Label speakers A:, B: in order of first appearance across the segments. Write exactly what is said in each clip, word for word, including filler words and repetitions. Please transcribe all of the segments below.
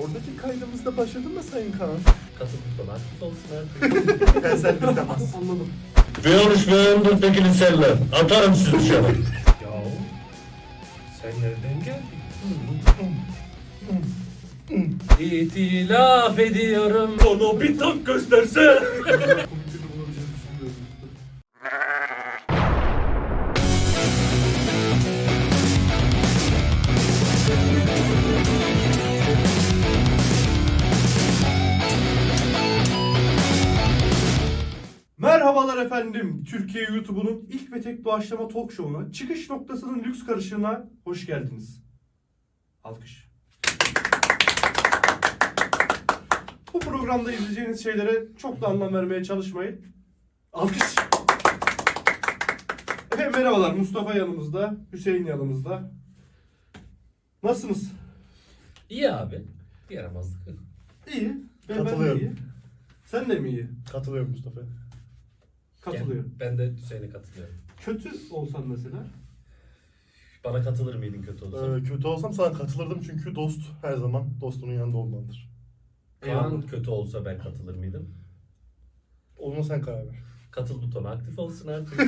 A: Oradaki kaydımızda başladı mı Sayın Kaan?
B: Katıl butonu aktif olsun artık.
A: Tensel bir temas.
C: Anladım.
B: Bir olmuş bir ömür tekini seller. Atarım sizi dışarı. Ya sen nereden geldin? İtilaf ediyorum. Onu bir tak gösterse.
C: Komik birini bulabileceğini düşünmüyorum. Merhabalar efendim. Türkiye YouTube'unun ilk ve tek doğaçlama talk show'una, çıkış noktasının lüks karışığına hoş geldiniz. Alkış. Bu programda izleyeceğiniz şeylere çok da anlam vermeye çalışmayın. Alkış. Efendim merhabalar. Mustafa yanımızda, Hüseyin yanımızda. Nasılsınız?
B: İyi abi. Yaramazlık.
C: İyi. Ben, ben de
A: Katılıyorum.
C: iyi. Sen de mi iyi?
A: Katılıyorum Mustafa.
C: Katılıyor.
B: Ben de Hüseyin'e katılıyorum.
C: Kötü olsan mesela.
B: Bana katılır mıydın kötü olsa?
A: Ee, kötü olsam sana katılırdım çünkü dost her zaman dostunun yanında olmalıdır.
B: Kaan kötü olsa ben katılır mıydım?
A: Ona sen karar ver.
B: Katıl butonu aktif olsun artık.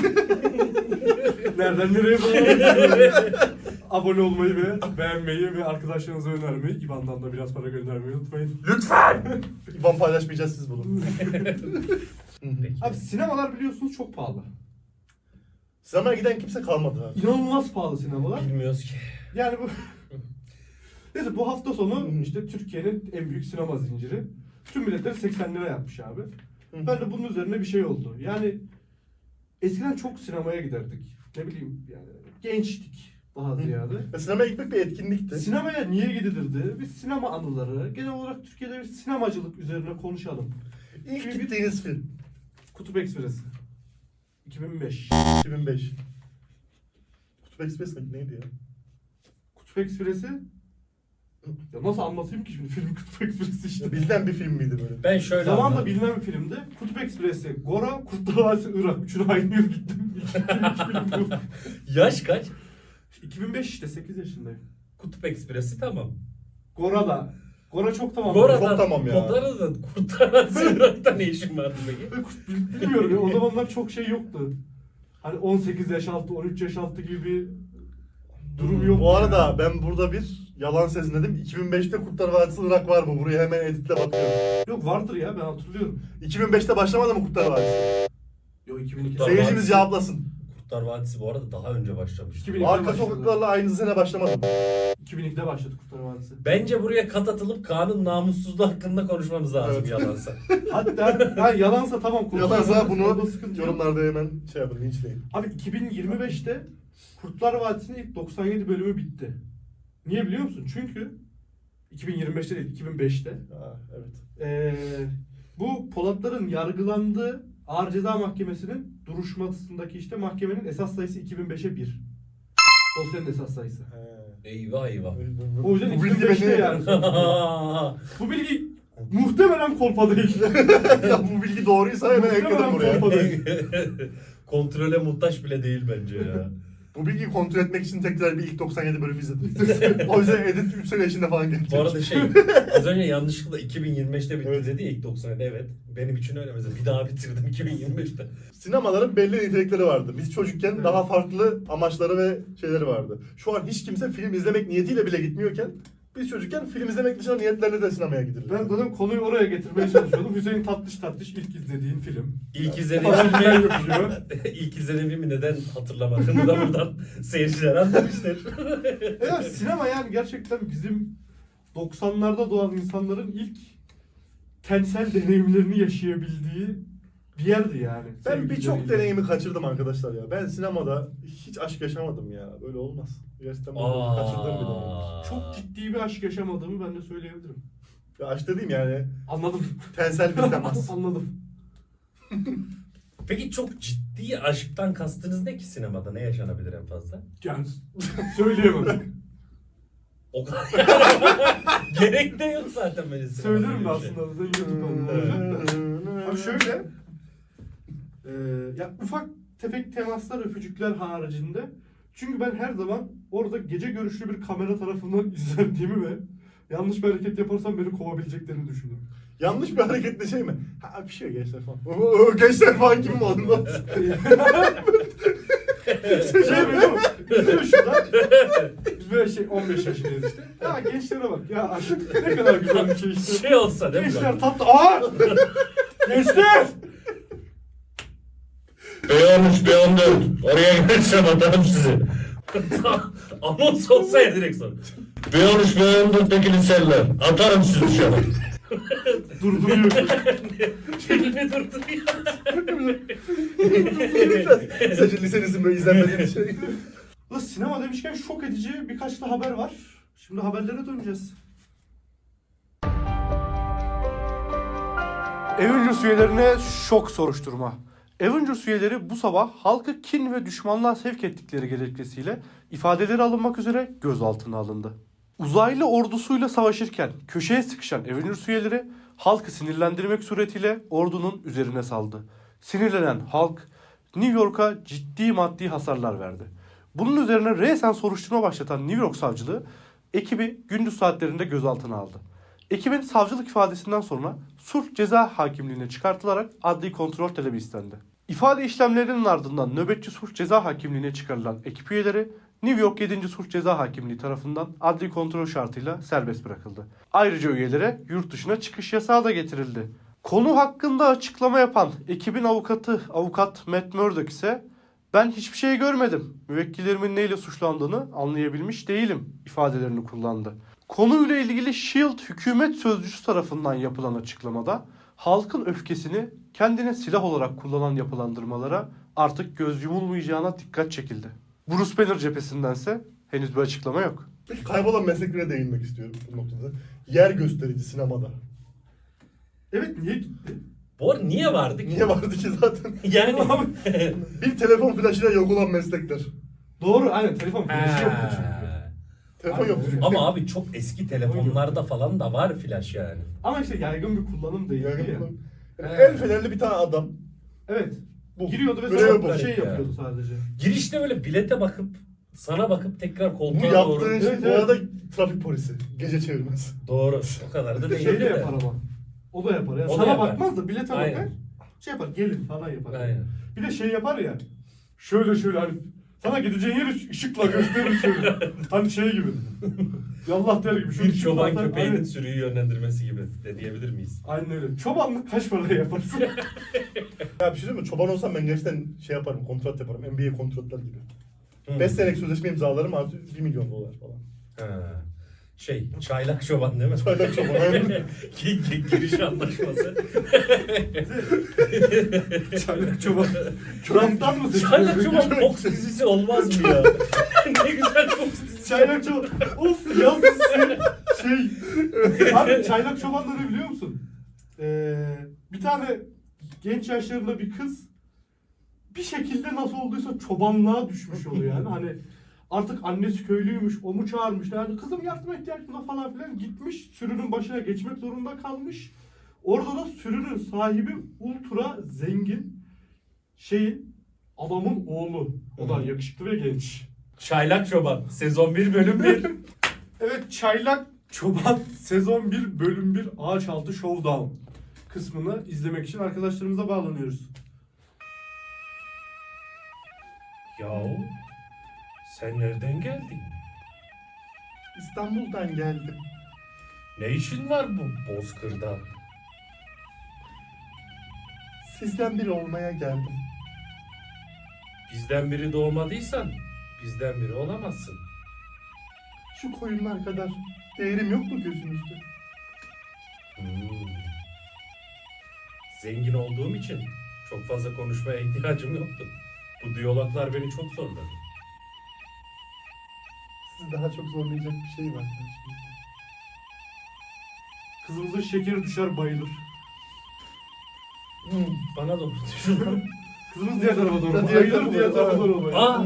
C: Nereden nereye bağlı? Abone olmayı ve beğenmeyi ve arkadaşlarınıza önermeyi, İ B A N'dan da biraz para göndermeyi unutmayın.
A: Lütfen! İban paylaşmayacağız siz bunu.
B: Peki.
C: Abi sinemalar biliyorsunuz çok pahalı.
A: Sinemaya giden kimse kalmadı abi.
C: İnanılmaz pahalı sinemalar.
B: Bilmiyoruz ki.
C: Yani bu... Neyse bu hafta sonu işte Türkiye'nin en büyük sinema zinciri tüm biletleri seksen lira yapmış abi. Ben de bunun üzerine bir şey oldu. Yani eskiden çok sinemaya giderdik. Ne bileyim yani gençtik daha ziyade.
A: Ve sinemaya gitmek bir etkinlikti.
C: Sinemaya niye gidilirdi? Biz sinema anıları, genel olarak Türkiye'de bir sinemacılık üzerine konuşalım.
A: İlk gittiğiniz film.
C: Kutup Ekspresi. iki bin beş.
A: iki bin beş. Kutup Express neydi ya?
C: Kutup Ekspresi... Ya nasıl anlatayım ki şimdi film Kutup Ekspresi işte.
A: Ya bilinen bir film miydi böyle?
B: Ben şöyle
C: Zamanla
B: anladım.
C: bilinen bir filmdi. Kutup Ekspresi, Gora, Kurtlar Vadisi, Irak. Üçünü aynı yıl gittim. İlk film bu.
B: Yaş kaç?
C: iki bin beş işte sekiz yaşındayım.
B: Kutup Ekspresi tamam.
C: Gora da. Gora çok tamam.
B: Gora'da,
A: çok tamam ya.
B: Gora'da da Kurtaran Sığırak'ta ne işin vardı peki?
C: Bilmiyorum ya, o zamanlar çok şey yoktu. Hani on sekiz yaş altı, on üç yaş altı gibi bir durum yok.
A: Bu arada ben burada bir yalan sezmedim. iki bin beşte Kurtlar Vadisi Irak var mı? Buraya hemen editle bakıyorum.
C: Yok vardır ya, ben hatırlıyorum.
A: iki bin beşte başlamadı mı Kurtlar Vadisi?
C: Yok iki bin iki.
B: Kurtlar
A: Seyircimiz
B: Vadisi-
A: cevaplasın.
B: Kurtlar Vadisi bu arada daha önce başlamıştı.
C: iki bin ikide
A: Arka
C: başladı.
A: sokaklarla aynı sene başlamadı mı?
C: iki bin ikide başladı Kurtlar Vadisi.
B: Bence buraya kat atılıp Kaan'ın namussuzluğu hakkında konuşmamız lazım
A: Evet.
B: yalansa.
C: Hatta ha, yalansa tamam. Kurtlar
A: Yalansa
C: Vadisi,
A: bunu
C: orada sıkıntı yok.
A: yorumlarda hemen şey yapın, linçleyin.
C: Abi iki bin yirmi beşte Kurtlar Vadisi'nin ilk doksan yedi bölümü bitti. Niye biliyor musun? Çünkü iki bin yirmi beşte değil, iki bin beşte
A: Aa, evet.
C: ee, bu Polatların yargılandığı Ağır Ceza Mahkemesi'nin duruşmasındaki işte mahkemenin esas sayısı iki bin beşe bir. Dosyanın esas sayısı.
A: He.
B: Eyvah eyvah.
C: O yüzden
A: Bu bilgi
C: iki bin beşte
A: beni...
C: yani. Bu bilgi muhtemelen kolpa değil.
A: Ya bu bilgi doğruysa hemen ekledim
C: Muhtemelen
A: buraya.
C: kolpa değil.
B: Kontrole muhtaç bile değil bence ya.
A: Bu bilgiyi kontrol etmek için tekrar bir ilk doksan yedi bölümü izledim. O yüzden edit üç sene içinde falan gelecek.
B: Bu arada şey az önce yanlışlıkla iki bin yirmi beşte bitti
A: Evet.
B: dedi ya ilk doksan yedi, evet. Benim için öyle mesela bir daha bitirdim iki bin yirmi beşte.
A: Sinemaların belli nitelikleri vardı. Biz çocukken
C: Evet.
A: daha farklı amaçları ve şeyleri vardı. Şu an hiç kimse film izlemek niyetiyle bile gitmiyorken biz çocukken film izlemek dışında niyetlerle de sinemaya gidilir.
C: Ben zaten konuyu oraya getirmeye çalışıyordum. Hüseyin tatlış tatlış ilk izlediğin film.
B: İlk izlediğim
C: Paralel
B: filmi
C: yapıyor.
B: ilk izlediğim filmi neden hatırlamadığımı da buradan seyirciler anlamıştır.
C: Evet, sinema yani gerçekten bizim doksanlarda doğan insanların ilk tensel deneyimlerini yaşayabildiği bir yerdi yani.
A: Ben
C: Sevgili
A: birçok
C: izleyiciler.
A: deneyimi kaçırdım arkadaşlar ya. Ben sinemada hiç aşk yaşamadım ya. Böyle olmaz. Gerçekten ben
B: Aa.
A: kaçırdığım bir deneyimdir.
C: Çok ciddi bir aşk yaşamadığımı ben de söyleyebilirim.
A: Ya aşk dediğim yani
C: Anladım.
A: tensel bir temas.
C: Anladım.
B: Peki çok ciddi aşktan kastınız ne ki sinemada? Ne yaşanabilir en fazla?
C: Yani söyleyemem.
B: O kadar. Gerek de yok zaten böyle sinemada.
C: Söylerim de
B: böyle bir şey.
C: aslında. Zaten YouTube kanalında olacak da. Abi şöyle. E, ya ufak tefek temaslar, öpücükler haricinde. Çünkü ben her zaman orada gece görüşlü bir kamera tarafından izlendiğimi ve Yanlış bir hareket yaparsam beni kovabileceklerini düşündüm.
A: Yanlış bir hareketle şey mi? Ha bir şey gençler falan. Oo, gençler falan gibi mi olmaz?
C: Şey biliyor musun? İzliyor şurada. Biz böyle şey on beş yaşındayız işte. Ya gençlere bak ya aşk ne kadar güzel bir şey işte.
B: Şey olsa değil mi?
C: Gençler tatlı. Aa! Gençler!
B: B on üç, B on dört. Oraya gelirsem atarım sizi. Anons olsa ya direkt sonra. B on üç, B on dörtteki liseler. Atarım sizi dışarı.
C: Durduruyor.
B: Filmi durduruyor.
A: Sadece lisenizin böyle izlenmediği bir şey.
C: Ulan sinema demişken şok edici birkaç da haber var. Şimdi haberlere döneceğiz. Avengers üyelerine şok soruşturma. Avengers üyeleri bu sabah halkı kin ve düşmanlığa sevk ettikleri gerekçesiyle ifadeleri alınmak üzere gözaltına alındı. Uzaylı ordusuyla savaşırken köşeye sıkışan Avengers üyeleri halkı sinirlendirmek suretiyle ordunun üzerine saldı. Sinirlenen halk New York'a ciddi maddi hasarlar verdi. Bunun üzerine resen soruşturma başlatan New York savcılığı ekibi gündüz saatlerinde gözaltına aldı. Ekibin savcılık ifadesinden sonra sulh ceza hakimliğine çıkartılarak adli kontrol talebi istendi. İfade işlemlerinin ardından nöbetçi sulh ceza hakimliğine çıkarılan ekip üyeleri New York yedinci Sulh Ceza Hakimliği tarafından adli kontrol şartıyla serbest bırakıldı. Ayrıca üyelere yurt dışına çıkış yasağı da getirildi. Konu hakkında açıklama yapan ekibin avukatı avukat Matt Murdock ise ben hiçbir şey görmedim. Müvekkillerimin neyle suçlandığını anlayabilmiş değilim ifadelerini kullandı. Konuyla ilgili Shield hükümet sözcüsü tarafından yapılan açıklamada halkın öfkesini kendine silah olarak kullanan yapılandırmalara artık göz yumulmayacağına dikkat çekildi. Bruce Banner cephesindense henüz bir açıklama yok.
A: Peki kaybolan mesleklere değinmek istiyorum bu noktada. Yer gösterici sinemada.
C: Evet niye gitti?
B: Bu arada niye vardı ki?
A: Niye vardı ki zaten?
B: Yani.
A: Bir telefon flaşıyla yok olan meslekler.
C: Doğru aynen telefon flaşı
B: Ha.
C: yoktu çünkü.
A: Telefon
C: Aynen.
A: yok çünkü.
B: Ama abi çok eski telefonlarda falan da var flash yani.
C: Ama işte yaygın bir kullanım değildi
A: Yani
C: ya.
A: bunun- yani el fenerli bir tane adam.
C: Evet.
A: Bu.
C: Giriyordu ve
A: Görev
C: sana
A: bu.
C: şey
B: Ya.
C: yapıyordu sadece.
B: Girişte böyle bilete bakıp sana bakıp tekrar
A: Bu
B: koltuğa
A: yaptığı
B: doğru.
A: şey
C: Evet,
A: bu
C: evet.
A: arada trafik polisi. Gece çevirmez.
B: Doğru. O kadar da değil.
C: Şey de yapar ama. O da yapar. Yani
B: O da
C: sana
B: yapar.
C: bakmaz da bilete
B: Aynen.
C: bakar. Şey yapar gelin falan yapar.
B: Aynen.
C: Bir de şey yapar ya. Şöyle şöyle hani sana gideceğin yeri ışıkla gösterir şöyle. Hani şey gibi. Yallah der gibi. Şöyle
B: Bir çoban
C: ışıkla atar.
B: köpeğinin
C: Aynen.
B: sürüyü yönlendirmesi gibi de diyebilir miyiz?
C: Aynen öyle. Çobanlık kaç paraya yaparsın?
A: Ya bir şey değil mi? Çoban olsam ben gerçekten şey yaparım, kontrat yaparım. N B A kontratlar gibi.
B: Hı.
A: beş senelik sözleşme imzalarım artı bir milyon dolar falan.
B: Ha. Şey, çaylak çoban değil mi?
A: Çaylak çoban, aynen.
B: Gi- gi- Giriş anlaşması.
C: Çaylak çoban. Kramptan mı seçiyor?
B: Çaylak çoban Fox dizisi olmaz mı ya? Ne güzel Fox dizisi.
C: Çaylak çoban. Of yaz dizisi. Şey. Abi çaylak çoban da ne biliyor musun? Ee, bir tane genç yaşlarında bir kız bir şekilde nasıl olduysa çobanlığa düşmüş oluyor yani. Hani artık annesi köylüymüş, o mu çağırmış yani kızım yardıma ihtiyacım var falan filan gitmiş sürünün başına geçmek zorunda kalmış. Orada da sürünün sahibi ultra zengin şeyin adamın oğlu. O da yakışıklı ve genç.
B: Çaylak çoban. Sezon bir bölüm bir.
C: Evet Çaylak Çoban sezon bir bölüm bir Ağaç Altı Showdown kısmını izlemek için arkadaşlarımıza bağlanıyoruz.
B: Yahu sen nereden geldin?
A: İstanbul'dan geldim.
B: Ne işin var bu Bozkır'da?
A: Sizden biri olmaya geldim.
B: Bizden biri doğmadıysan bizden biri olamazsın.
A: Şu koyunlar kadar değerim yok mu gözünüzde?
B: Hmm. Zengin olduğum için çok fazla konuşmaya ihtiyacım yoktu. Bu diyaloglar beni çok zorladı.
A: Sizi daha çok zorlayacak bir şey var karşınızda.
C: Kızımızın şekeri düşer bayılır.
B: Hmm, bana doğru düşün.
C: Kızımız diğer tarafa doğru
A: Diğer
C: bayılır,
A: tarafa
C: diğer
A: doğru,
C: tarafa
A: ha.
C: doğru bayılır.
B: Aa!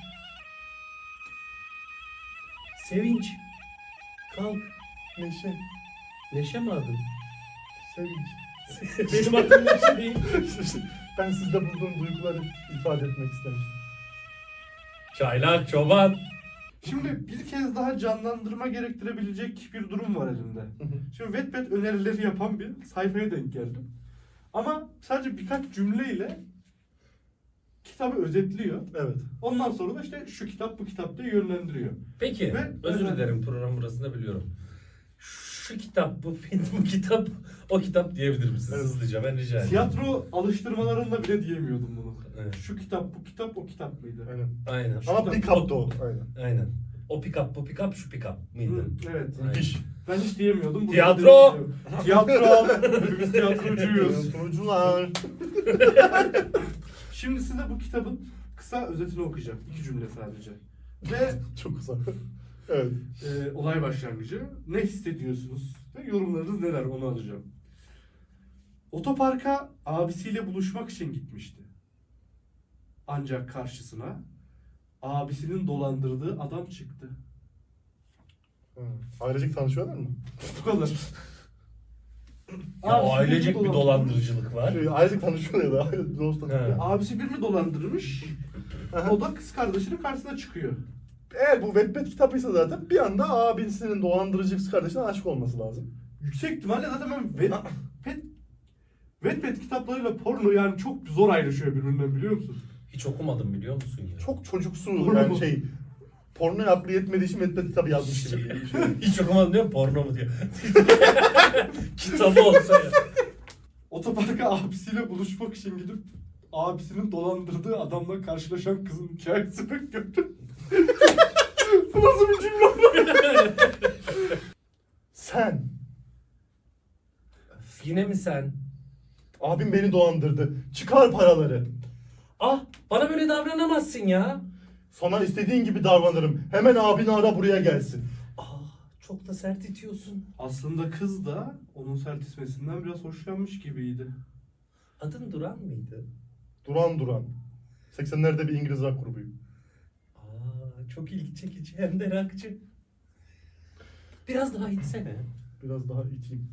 B: Sevinç. Kalk.
A: Neşe,
B: Neşe mi adın?
A: sevinç.
B: Benim adım Neşe değil.
A: Ben sizde bulduğum duyguları ifade etmek istemiştim.
B: Çaylak çoban.
C: Şimdi bir kez daha canlandırma gerektirebilecek bir durum var elimde. Şimdi Wattpad önerileri yapan bir sayfaya denk geldim. Ama sadece birkaç cümleyle kitabı özetliyor.
A: Evet.
C: Ondan sonra da işte şu kitap bu kitap diye yönlendiriyor.
B: Peki,
C: Ve-
B: özür
C: Evet.
B: dilerim program burasında biliyorum. Şu kitap, bu film, bu kitap, o kitap diyebilir misiniz?
A: Evet.
B: Hızlıca ben rica ederim.
C: Tiyatro alıştırmalarında bile diyemiyordum bunu.
B: Evet.
C: Şu kitap bu kitap o kitap mıydı?
A: Aynen.
B: Aynen.
A: Ama pick up da o. Aynen.
B: Aynen. O pick up, bu pick up, şu pick up mıydı?
C: Hı, evet.
B: Aynen.
A: İş.
C: Ben hiç diyemiyordum. Bunu
B: Tiyatro!
C: diyebiliyorum. Tiyatro! Hepimiz tiyatrocuyuz.
A: Sunucular.
C: Şimdi size bu kitabın kısa özetini okuyacağım. İki cümle sadece. Ve
A: Çok uzak. Evet.
C: e, olay başlangıcı. Ne hissediyorsunuz? Ve yorumlarınız neler onu alacağım. Otoparka abisiyle buluşmak için gitmişti. Ancak karşısına abisinin dolandırdığı adam çıktı.
A: Hı. Ailecek tanışıyorlar mı?
C: Bu kadar.
B: Ya
C: Abisi
B: ailecek
C: birini
B: bir dolandırıcılık var.
A: Şey, ailecek tanışıyorlar ya da aile dost
B: He.
A: tanışıyor.
C: Abisi birini dolandırmış. O da kız kardeşinin karşısına çıkıyor.
A: Eğer bu Wattpad kitabıysa zaten bir anda abisinin dolandırıcı kız kardeşine aşık olması lazım.
C: Yüksek ihtimalle zaten ben Wattpad, Wattpad kitaplarıyla porno yani çok zor ayrışıyor birbirinden biliyor musun?
B: Hiç okumadım biliyor musun ya?
A: Çok çocuksu
C: Porno
A: yani
C: mu?
A: şey. Pornoya aklı yetmediği için Wattpad kitabı yazmış gibi. bir şey.
B: Hiç okumadım diyor, porno mu diyor. Kitabı olsa ya.
C: Otoparka abisiyle buluşmak için gidip abisinin dolandırdığı adamla karşılaşan kızın hikayesi ben gördüm. Bu nasıl bir cümle?
A: Sen.
B: Öf, yine mi sen?
A: Abim beni dolandırdı. Çıkar paraları.
B: Ah, bana böyle davranamazsın ya.
A: Sana istediğin gibi davranırım. Hemen abini ara buraya gelsin.
B: Ah, çok da sert itiyorsun.
C: Aslında kız da onun sert ismesinden biraz hoşlanmış gibiydi.
B: Adın Duran mıydı?
A: Duran Duran. seksenlerde bir İngiliz rock grubuyum.
B: Aa, çok ilgi çekici hem de rakçı. Biraz daha itsene.
A: Biraz daha iteyim.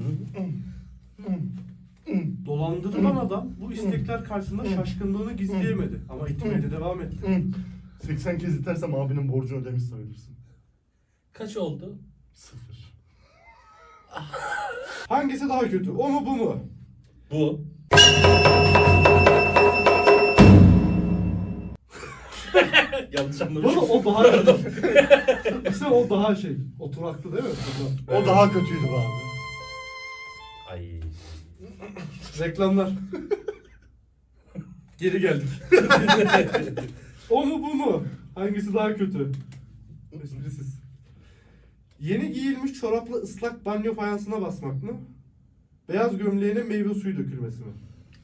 C: Dolandırılan adam bu istekler karşısında şaşkınlığını gizleyemedi. Ama itmeye de devam etti.
A: Hı. seksen kez itersem abinin borcunu ödemiş sayılırsın.
B: Kaç oldu?
A: Sıfır.
C: Hangisi daha kötü? O mu bu mu?
B: Bu. Yanlış
C: Bana
B: anlamışım.
C: o daha İşte o daha şey. Oturaklı değil mi?
A: O daha kötüydü be abi.
B: Ay.
C: Reklamlar. Geri geldik. O mu bu mu? Hangisi daha kötü? Esprisiz. Yeni giyilmiş çorapla ıslak banyo fayansına basmak mı? Beyaz gömleğine meyve suyu dökülmesi mi?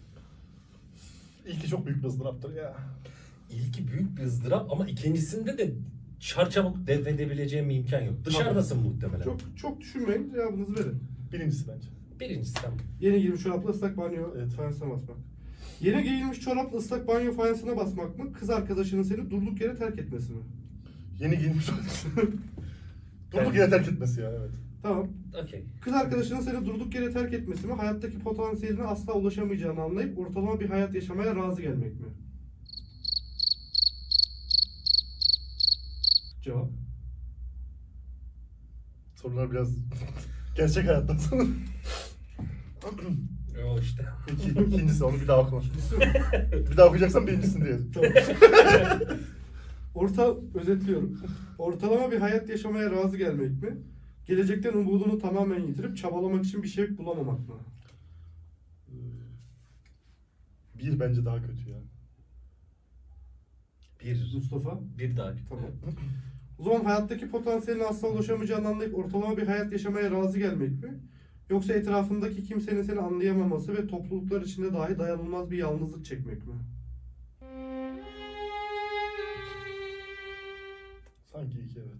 A: İlki çok büyük bir ızdıraptır ya.
B: İlki büyük bir ızdırap ama ikincisinde de çarçabuk defedebileceğim bir imkan yok. Dışarıdasın muhtemelen.
C: Çok çok düşünmeyin, cevabınızı verin.
A: Birincisi bence.
B: Birincisi tamam.
C: Yeni giyilmiş çorapla ıslak banyo
A: Evet.
C: fayansına basmak. Yeni giyilmiş çorapla ıslak banyo fayansına basmak mı? Kız arkadaşının seni durduk yere terk etmesi mi?
A: Yeni giyinmiş Durduk yere terk etmesi ya evet.
C: Tamam.
B: Okey.
C: Kız arkadaşının seni durduk yere terk etmesi mi? Hayattaki potansiyeline asla ulaşamayacağını anlayıp ortalama bir hayat yaşamaya razı gelmek mi? Cevap.
A: Sorular biraz gerçek hayattan sana.
B: O işte.
A: İki, ikincisi onu bir daha okuma. Bir daha okuyacaksan birincisini diyelim.
C: Tamam. Orta özetliyorum. Ortalama bir hayat yaşamaya razı gelmek mi? Gelecekten umudunu tamamen yitirip çabalamak için bir şey bulamamak mı?
A: Bir bence daha kötü ya.
B: Bir.
C: Mustafa.
B: Bir daha.
C: Tamam. O zaman hayattaki potansiyeline asla ulaşamayacağını anlayıp ortalama bir hayat yaşamaya razı gelmek mi? Yoksa etrafındaki kimsenin seni anlayamaması ve topluluklar içinde dahi dayanılmaz bir yalnızlık çekmek mi?
A: Sanki iki evet.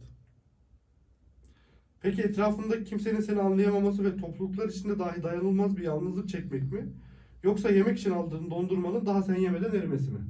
C: Peki etrafındaki kimsenin seni anlayamaması ve topluluklar içinde dahi dayanılmaz bir yalnızlık çekmek mi? Yoksa yemek için aldığın dondurmanın daha sen yemeden erimesi mi?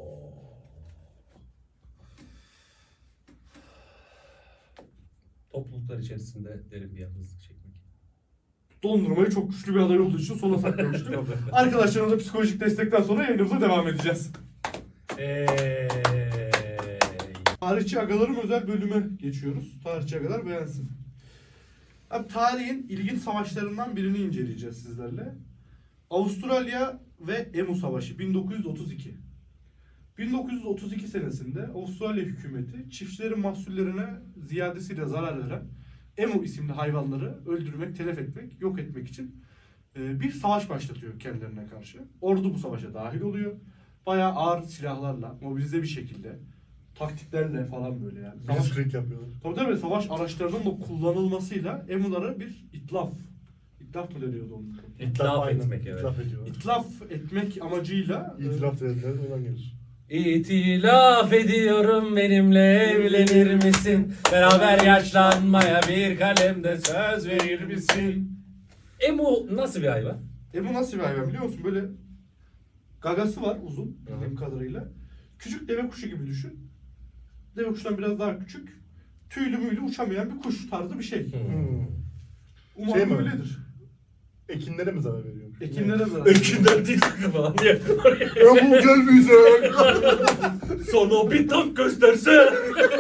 B: Topluluklar içerisinde derin bir yalnızlık çekmek.
C: Dondurmayı çok güçlü bir aday olduğu için sona saklamıştık. Arkadaşlarımıza psikolojik destekten sonra yayınımıza devam edeceğiz.
B: Eee.
C: Tarihçi agalarım özel bölüme geçiyoruz. Tarihçi agalar beğensin. Abi tarihin ilginç savaşlarından birini inceleyeceğiz sizlerle. Avustralya ve Emu Savaşı bin dokuz yüz otuz iki. bin dokuz yüz otuz iki senesinde Avustralya hükümeti çiftçilerin mahsullerine ziyadesiyle zarar veren Emu isimli hayvanları öldürmek, telef etmek, yok etmek için e, bir savaş başlatıyor kendilerine karşı. Ordu bu savaşa dahil oluyor. Bayağı ağır silahlarla, mobilize bir şekilde, taktiklerle falan böyle yani. Savaş,
A: Blitzkrieg yapıyorlar.
C: tabii tabii savaş araçlarının da kullanılmasıyla Emu'lara bir itlaf. İtlaf mı deniyordu onun?
B: İtlaf
A: Aynen,
B: etmek evet.
A: İtlaf ediyorlar.
C: İtlaf etmek amacıyla e,
A: İtiraf dediler oradan gelir.
B: İtilaf ediyorum benimle evlenir misin? Beraber yaşlanmaya bir kalemde söz verir misin? Emu nasıl bir hayvan?
C: Emu nasıl bir hayvan biliyor musun? Böyle gagası var uzun bildiğim kadarıyla. Küçük deve kuşu gibi düşün. Deve kuşundan biraz daha küçük. Tüylü müylü uçamayan bir kuş tarzı bir şey.
A: Hmm.
C: Umarım
A: Şey mi?
C: öyledir.
A: Ekinlere mi zarar veriyor?
C: Ekinlere zarar.
B: Ökünden değil sakın falan diye.
A: Ya bu gel bize.
B: Sana bir tank gösterse.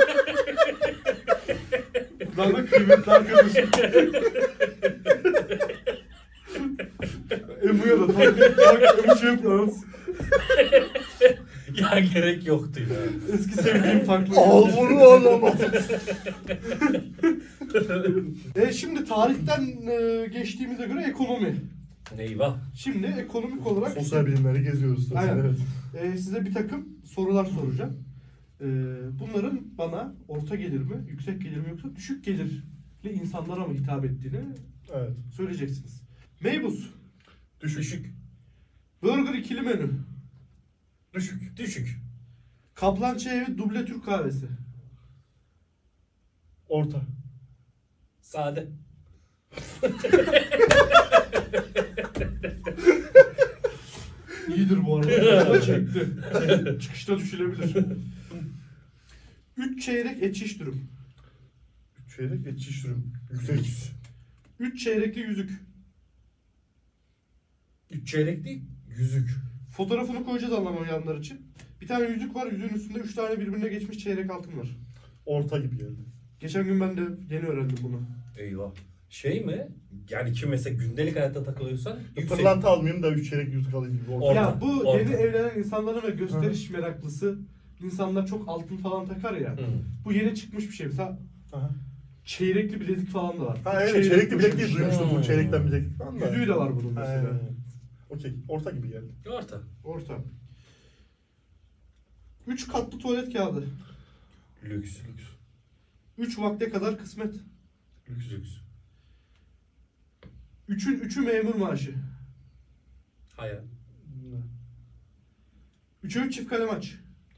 C: Buradan da kıymetli arkadaşım. Emu'ya da takip takip şey yaparız.
B: Ya gerek yoktu ya.
C: Eski sevdiğim taklit.
A: Al bunu al.
C: E şimdi tarihten e, geçtiğimize göre ekonomi.
B: Eyvah.
C: Şimdi ekonomik olarak
A: Sosyal bilimleri geziyoruz.
C: Aynen.
A: Evet.
C: e, size bir takım sorular soracağım. E, bunların bana orta gelir mi, yüksek gelir mi yoksa düşük gelirli insanlara mı hitap ettiğini
A: Evet.
C: söyleyeceksiniz. Meybuz,
A: Düşük.
B: Düşük.
C: burger ikili menü,
B: Düşük. Düşük.
C: Kaplan Çay Evi duble Türk kahvesi,
A: Orta.
B: Sade.
C: İyidir bu arada. Çekti. Çıkışta düşülebilir. Üç çeyrek et şiş dürüm.
A: Üç çeyrek geçiş sürüm. Yüksek.
C: Üç çeyrekli yüzük.
B: Üç çeyrek değil. Yüzük.
C: Fotoğrafını koyacağız anlamayanlar için. Bir tane yüzük var. Yüzüğün üstünde üç tane birbirine geçmiş çeyrek altın var.
A: Orta gibi geldi.
C: Geçen gün ben de yeni öğrendim bunu.
B: Eyvah. Şey mi? Yani kim mesela gündelik hayatta takılıyorsan yüksek.
A: Pırlanta almayayım da üç çeyrek yüzük alayım gibi. Orta.
B: Orta.
C: Ya bu
B: orta.
C: yeni evlenen insanların ve gösteriş meraklısı insanlar çok altın falan takar ya.
B: Hı.
C: Bu yeni çıkmış bir şey. Mesela
A: Aha.
C: çeyrekli bilezik falan da var.
A: Ha evet
C: Çeyrek
A: çeyrekli bilek değil
C: taşımış.
A: duymuştum bu
B: Hmm.
A: çeyrekten bilek falan da.
C: Yüzüğü de var bunun
A: Ha,
C: mesela.
A: evet. Okey. Orta gibi geldi.
B: Orta.
C: Orta. Üç katlı tuvalet kağıdı.
B: Lüks.
A: Lüks.
C: Üç vakte kadar kısmet.
B: Lüks lüks.
C: Üçün üçü memur maaşı.
B: Hayal.
C: Üçe üç çift kalem aç.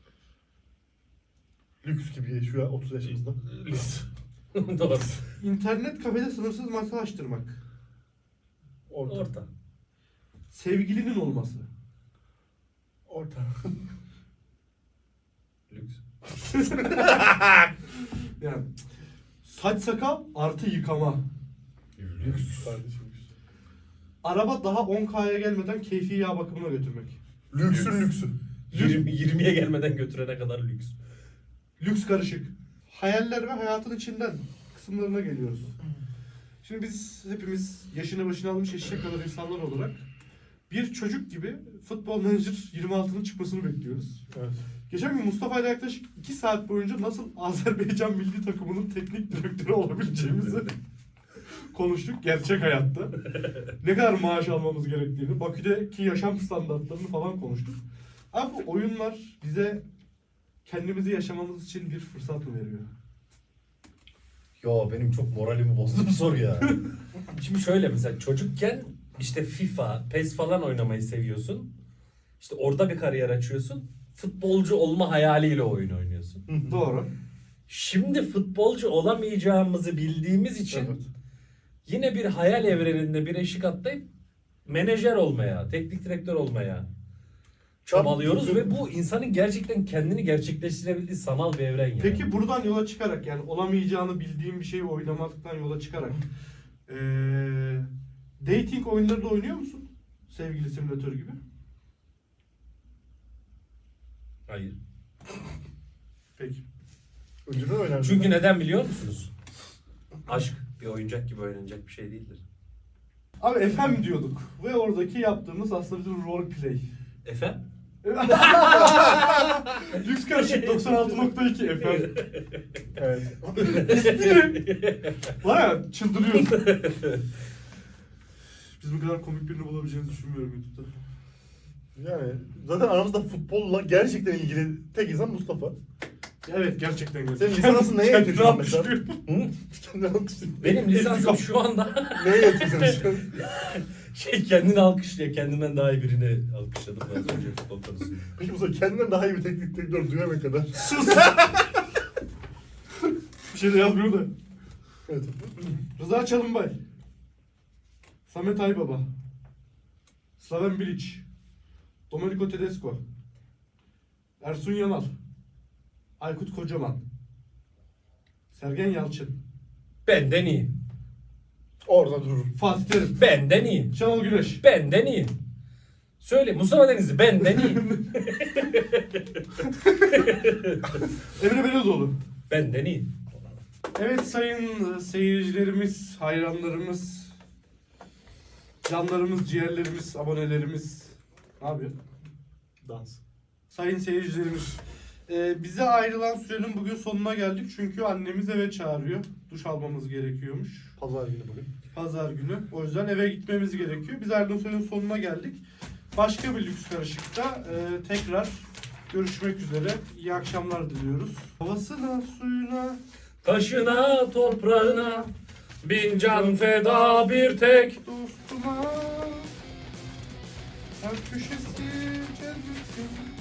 A: Lüks gibi şu an otuz yaşımızda.
B: Lüks. Doğru.
C: İnternet kafede sınırsız masa açtırmak.
A: Orta.
B: Orta.
C: Sevgilinin olması.
A: Orta.
B: Lüks.
C: Yani saç sakal artı yıkama.
A: Lüks kardeşim. lüks.
C: Araba daha on K'ya gelmeden keyfi yağ bakımına götürmek.
A: Lüksün lüksü.
B: yirmi, yirmiye gelmeden götürene kadar lüks.
C: Lüks karışık. Hayaller ve hayatın içinden kısımlarına geliyoruz. Şimdi biz hepimiz yaşını başına almış eşek kadar insanlar olarak bir çocuk gibi Futbol Manager yirmi altının çıkmasını bekliyoruz.
A: Evet.
C: Geçen gün Mustafa ile yaklaşık iki saat boyunca nasıl Azerbaycan milli takımının teknik direktörü olabileceğimizi konuştuk gerçek hayatta. Ne kadar maaş almamız gerektiğini, Bakü'deki yaşam standartlarını falan konuştuk. Abi bu oyunlar bize kendimizi yaşamamız için bir fırsat mı veriyor?
B: Yo benim çok moralimi bozdu bu soru ya. Şimdi şöyle mesela çocukken işte FIFA, PES falan oynamayı seviyorsun. İşte orada bir kariyer açıyorsun. Futbolcu olma hayaliyle oyun oynuyorsun.
C: Doğru.
B: Şimdi futbolcu olamayacağımızı bildiğimiz için
A: Evet.
B: yine bir hayal evreninde bir eşik atlayıp menajer olmaya, teknik direktör olmaya çabalıyoruz
A: Tabii.
B: ve bu insanın gerçekten kendini gerçekleştirebildiği sanal bir evren yani.
C: Peki buradan yola çıkarak yani olamayacağını bildiğim bir şeyi oynamaktan yola çıkarak ee, dating oyunları da oynuyor musun? Sevgili simülatör gibi.
B: Hayır.
C: Peki.
A: Önceden oynardım.
B: Çünkü neden biliyor musunuz? Aşk bir oyuncak gibi oynanacak bir şey değildir.
C: Abi F M diyorduk ve oradaki yaptığımız aslında bir role play.
B: Efendim?
C: Lüks karışık doksan altı nokta iki F M.
A: Evet.
C: Var ya çıldırıyoruz. Biz bu kadar komik birini bulabileceğimizi düşünmüyorum YouTube'da.
A: Yani zaten aramızda futbolla gerçekten ilgili tek insan Mustafa.
C: Evet gerçekten güzel.
A: Senin lisansın neye
C: Kendini
A: yetiyor mesela?
C: alkışlıyor.
B: Hı?
A: Kendini alkışlıyor.
B: Benim lisansım şu anda
A: Neye yetiyor şu an?
B: şey kendini alkışlıyor. Kendimden daha iyi birini alkışladım ben az önce futbol konusunda.
A: Peki Mustafa kendinden daha iyi bir teknik direktör duyana kadar.
C: Sus. Bir şey de yazmıyor da.
A: Evet.
C: Rıza Çalınbay. Samet Aybaba. Slaven Bilic. Domenico Tedesco. Ersun Yanal. Aykut Kocaman. Sergen Yalçın.
B: Benden iyi.
A: Orada durur.
C: Fatih Terim.
B: Benden iyi.
C: Şenol Güneş.
B: Benden iyi. Söyle Mustafa Denizli benden iyi.
C: Emre Belözoğlu.
B: Benden iyi.
C: Evet sayın seyircilerimiz, hayranlarımız, canlarımız, ciğerlerimiz, abonelerimiz. Ne yapıyor?
A: Dans.
C: Sayın seyircilerimiz, e, bize ayrılan sürenin bugün sonuna geldik çünkü annemiz eve çağırıyor. Duş almamız gerekiyormuş.
A: Pazar günü bugün.
C: Pazar günü. O yüzden eve gitmemiz gerekiyor. Biz ayrılan sürenin sonuna geldik. Başka bir lüks karışıkta e, tekrar görüşmek üzere. İyi akşamlar diliyoruz. Havasına, suyuna,
B: Taşına toprağına bin can feda bir tek.
C: dostuma, her köşesi cennetin.